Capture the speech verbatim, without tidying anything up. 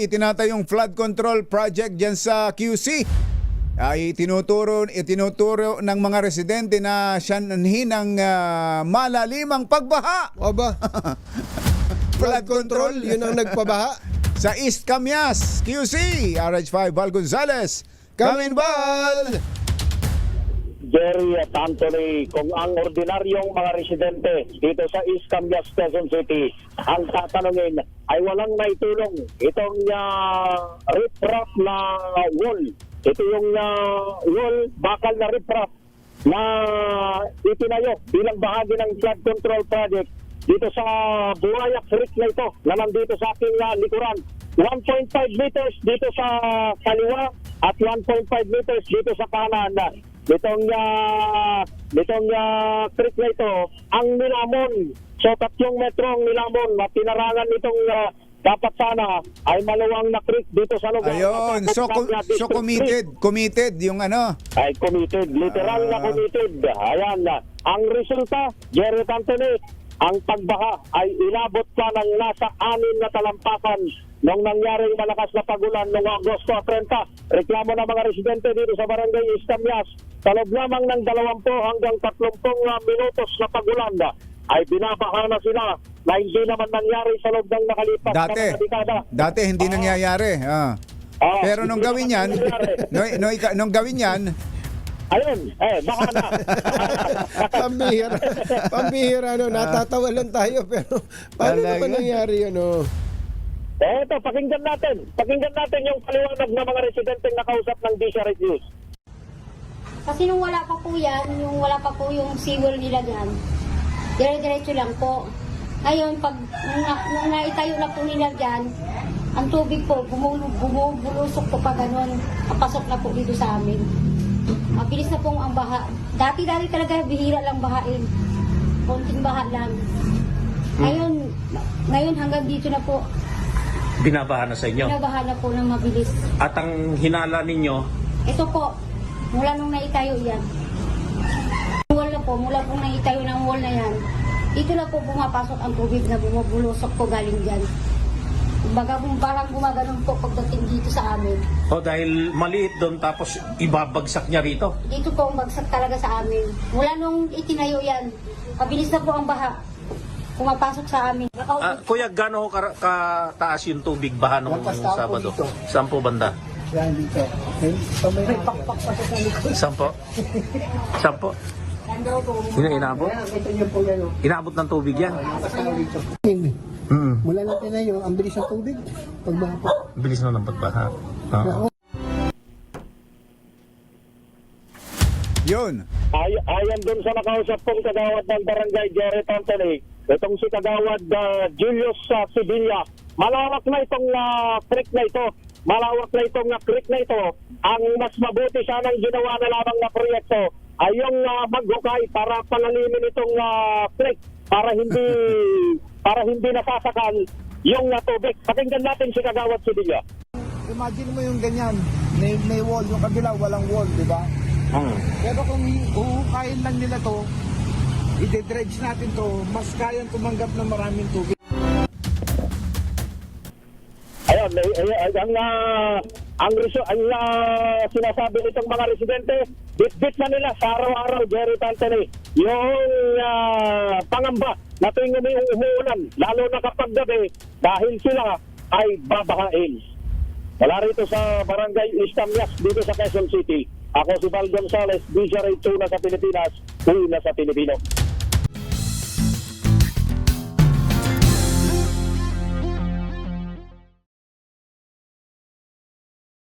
itinatayong flood control project dyan sa Q C ay tinuturo, itinuturo ng mga residente na siyanhin ng uh, malalimang pagbaha. Aba, flood control, yun ang nagpabaha. Sa East Camias, Q C, R H five Val Gonzales, Kaminbal! Jerry at Anthony, kung ang ordinaryong mga residente dito sa East Camias, Quezon City, ang tatanungin ay walang naitulong itong uh, riprap na wall. Ito yung uh, wall, bakal na riprap na itinayo bilang bahagi ng flood control project dito sa Buayak Creek na ito na nandito sa aking uh, likuran. one point five meters dito sa kaliwa at one point five meters dito sa kanan. Nitong uh, nitong uh, creek na ito, ang nilamon. So tatlong metro ang nilamon na tinarangan nitong uh, dapat sana ay maluwang na creek dito sa lugar. Ayun, so, so committed, committed yung ano? Ay committed, literal uh... na committed. Ayan, ang resulta, Jerry Anthony, ang pagbaha ay inabot pa ng nasa anim na talampakan nung nangyaring malakas na pagulan noong Agosto trenta. Reklamo ng mga residente dito sa Barangay East Camias, sa loob lamang ng dalawampu hanggang tatlumpu minutos na pagulan ay binabaha na sila na hindi naman nangyari sa loob ng nakalipas Dati, na mga dekada. dati hindi Ah. nangyayari. Ah. Ah, Pero nung hindi gawin naman yan, nangyayari. no, no, nung gawin yan, Ayun, eh, baka na. Pambihira. Pambihira, no? Natatawa lang tayo, pero paano Talaga? naman nangyari yun, no? Eh, ito, pakinggan natin. Pakinggan natin yung paliwanag ng mga residenteng nakausap ng Disha News. Kasi nung wala pa po yan, yung wala pa po yung seawall nila dyan, dire-diretso lang po. Ngayon, pag nung, na, nung naitayo na po nila dyan, ang tubig po, bumulog, bumubulusok po pa ganun. Papasok na po dito sa amin. Mabilis na pong ang baha. Dati-dati talaga bihira lang bahain. Konting baha lang. Ngayon, ngayon hanggang dito na po, Binabaha na sa inyo. binabaha na po ng mabilis. At ang hinala ninyo, Ito po, mula nung naitayo yan. Wall na po, mula pong naitayo ng wall na yan, dito na po pumapasok ang tubig na bumubulusok po galing dyan. Kumbaga kung parang gumaganon po pagdating dito sa amin. o dahil maliit doon tapos ibabagsak niya rito. Dito po ang bagsak talaga sa amin. Mula nung itinayo yan, mabilis na po ang baha. Pumapasok sa amin. Ah, kuya, gaano ho ka- kataas yung tubig baha nung Sabado? Saan po banda? Yan dito. May, may pakpak pa sa likod. Saan po? Saan po? Yun ang inabot? Ito niyo po yan. oh. Inabot ng tubig yan? Nakasama dito. Mm. Mula natin na yun, ang bilis ng tubig. Pagbaha po. Bilis na ng pagbaha. Oo. yun. Ay, ayon dun sa nakausap kong kagawad ng Barangay Jerry Anthony, itong si kagawad uh, Julius uh, Sevilla, malawak na itong uh, creek na ito. Malawak na itong uh, creek na ito. Ang mas mabuti sanang ginawa na lamang na proyekto ay yung uh, maghukay para palalimin itong uh, creek para hindi para hindi nasasakal yung uh, tubig. Pakinggan natin si kagawad Sevilla. Imagine mo yung ganyan. May, may wall. Yung kabila, walang wall, di ba? Hmm. Pero kung uhukayin lang nila to, i-dredge natin to, mas kayang tumanggap ng maraming tubig. Ayun, ay, ay, ay, ang uh, ang, reso, ang uh, sinasabi nitong mga residente, bit-bit na nila sa araw-araw, Jerry Anthony, yung uh, pangamba na tuwing umi- umuulan, lalo na kapag gabi, dahil sila ay babahain. Wala rito sa Barangay East Camias, dito sa Quezon City. Ako si Val Gonzales, D J Ray two na sa Pilipinas, uwi na sa Pilipino.